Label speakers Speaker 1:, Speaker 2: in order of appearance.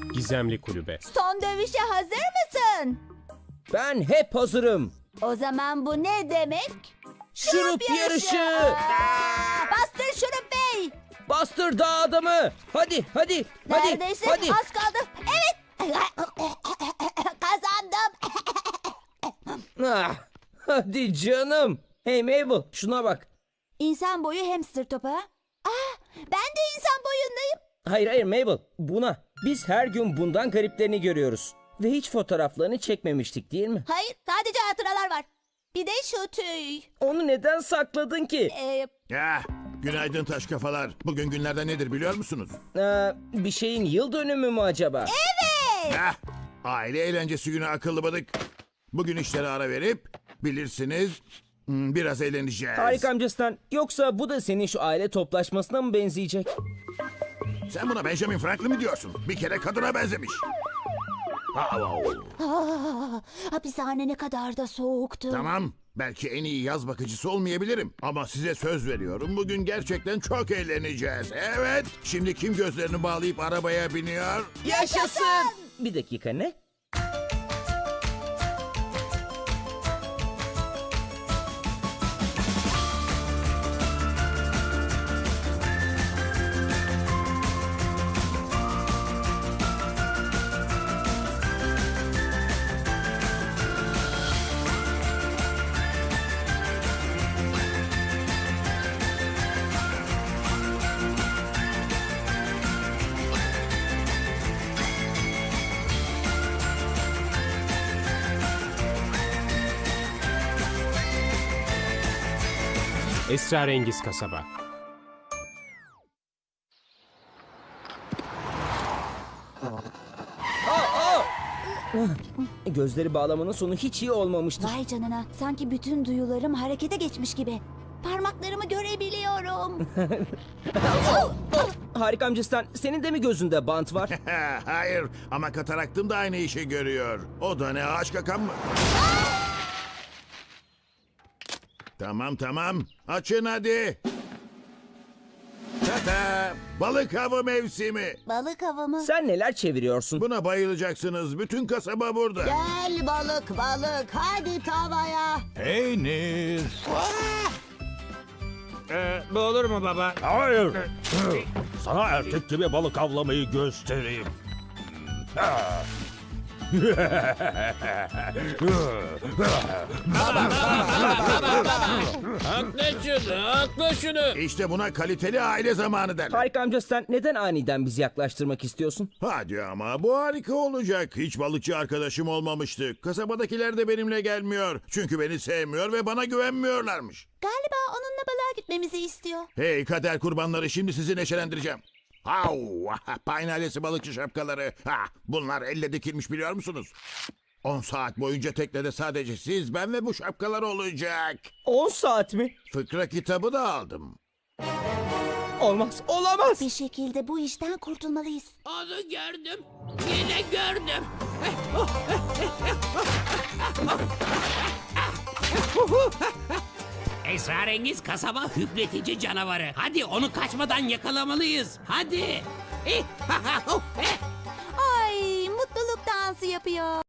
Speaker 1: Gizemli Kulübe.
Speaker 2: Son dövüşe hazır mısın?
Speaker 3: Ben hep hazırım.
Speaker 2: O zaman bu ne demek?
Speaker 3: Şurup yarışı.
Speaker 2: Bastır Şurup Bey.
Speaker 3: Bastır dağ adamı. Hadi.
Speaker 2: Neredeyse
Speaker 3: Hadi.
Speaker 2: az kaldı. Evet. Kazandım.
Speaker 3: Ah, hadi canım. Hey Mabel, şuna bak.
Speaker 2: İnsan boyu hamster topu ha? Ben de insan boyundayım.
Speaker 3: Hayır Mabel, buna. Biz her gün bundan gariplerini görüyoruz. Ve hiç fotoğraflarını çekmemiştik değil mi?
Speaker 2: Hayır, sadece hatıralar var. Bir de şu tüy.
Speaker 3: Onu neden sakladın ki?
Speaker 4: Ya, günaydın taş kafalar. Bugün günlerden nedir biliyor musunuz?
Speaker 3: Bir şeyin yıl dönümü mü acaba?
Speaker 4: Heh, aile eğlencesi günü akıllı bıdık. Bugün işlere ara verip bilirsiniz biraz eğleneceğiz.
Speaker 3: Harika amcasından. Yoksa bu da senin şu aile toplaşmasına mı benzeyecek?
Speaker 4: Sen buna Benjamin Franklin mi diyorsun? Bir kere kadına benzemiş.
Speaker 2: Hapishane ne kadar da soğuktu.
Speaker 4: Tamam, belki en iyi yaz bakıcısı olmayabilirim. Ama size söz veriyorum, bugün gerçekten çok eğleneceğiz. Evet, şimdi kim gözlerini bağlayıp arabaya biniyor?
Speaker 3: Yaşasın! Bir dakika ne?
Speaker 1: Esrarengiz Kasaba.
Speaker 3: Gözleri bağlamanın sonu hiç iyi olmamıştır.
Speaker 2: Vay canına, sanki bütün duyularım harekete geçmiş gibi. Parmaklarımı görebiliyorum.
Speaker 3: Harika amcasından. Senin de mi gözünde bant var?
Speaker 4: Hayır, ama kataraktım da aynı işi görüyor. O da ne, ağaç kakan mı? Tamam, açın hadi. Tata, balık avı mevsimi.
Speaker 2: Balık avı mı?
Speaker 3: Sen neler çeviriyorsun?
Speaker 4: Buna bayılacaksınız, bütün kasaba burada.
Speaker 2: Gel balık, hadi tavaya.
Speaker 5: Peynir.
Speaker 1: Bu olur mu baba?
Speaker 5: Hayır. Sana erkek gibi balık avlamayı göstereyim.
Speaker 1: Hakla şunu.
Speaker 4: İşte buna kaliteli aile zamanı derler.
Speaker 3: Harika amcasından neden aniden bizi yaklaştırmak istiyorsun?
Speaker 4: Hadi ama bu harika olacak. Hiç balıkçı arkadaşım olmamıştı. Kasabadakiler de benimle gelmiyor. Çünkü beni sevmiyor ve bana güvenmiyorlarmış.
Speaker 2: Galiba onunla balığa gitmemizi istiyor.
Speaker 4: Hey kader kurbanları, şimdi sizi neşelendireceğim. Hav! Pine ailesi balıkçı şapkaları. Bunlar elle dikilmiş biliyor musunuz? 10 saat boyunca teknede sadece siz, ben ve bu şapkalar olacak.
Speaker 3: 10 saat mi?
Speaker 4: Fıkra kitabı da aldım.
Speaker 3: Olmaz, olamaz.
Speaker 2: Bir şekilde bu işten kurtulmalıyız.
Speaker 6: Onu gördüm. Yine gördüm. Esrarengiz kasaba hüpletici canavarı. Hadi onu kaçmadan yakalamalıyız. Hadi.
Speaker 2: Ay, mutluluk dansı yapıyor.